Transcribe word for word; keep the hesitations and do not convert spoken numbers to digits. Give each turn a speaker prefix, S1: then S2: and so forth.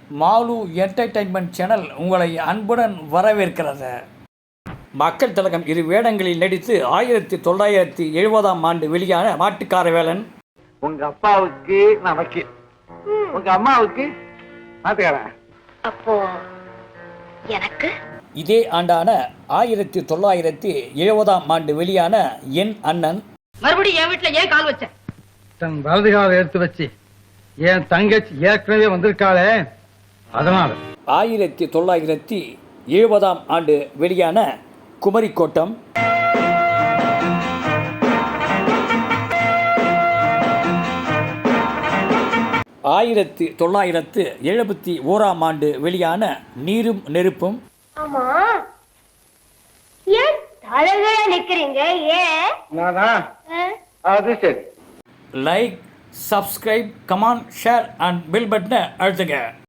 S1: Mall entertainment channel உங்களை அன்புடன் வரவேற்கிறது. மக்கள் திலகம் இரு வேடங்களில் நடித்து ஆயிரத்தி தொள்ளாயிரத்தி எழுபதாம் ஆண்டு வெளியான மாட்டுக்காரவேலன்.
S2: உங்க அப்பாவுக்கு நமக்கு, உங்க அம்மாவுக்கு மாட்டுக்காரன்.
S3: அப்போ எனக்கு
S1: இதே ஆண்டான ஆயிரத்தி தொள்ளாயிரத்தி எழுபதாம் ஆண்டு வெளியான என் அண்ணன்.
S3: மறுபடியும் என் வீட்டுல ஏன் கால் வச்ச?
S2: தன் வலது காலை எடுத்து வச்சு என் தங்கச்சி ஏற்கனவே வந்திருக்காளே, அதனால.
S1: ஆயிரத்தி தொள்ளாயிரத்தி எழுபதாம் ஆண்டு வெளியான குமரிக்கோட்டம். ஆயிரத்தி தொள்ளாயிரத்து எழுபத்தி ஓராம் ஆண்டு வெளியான நீரும் நெருப்பும்.
S4: ஆமா, ஏன் தலைகீழ நிக்கிறீங்க? ஏன்?
S2: நானா? அது சரி.
S1: Like, subscribe, comment, share and bell பட்டனை அழுத்துங்க.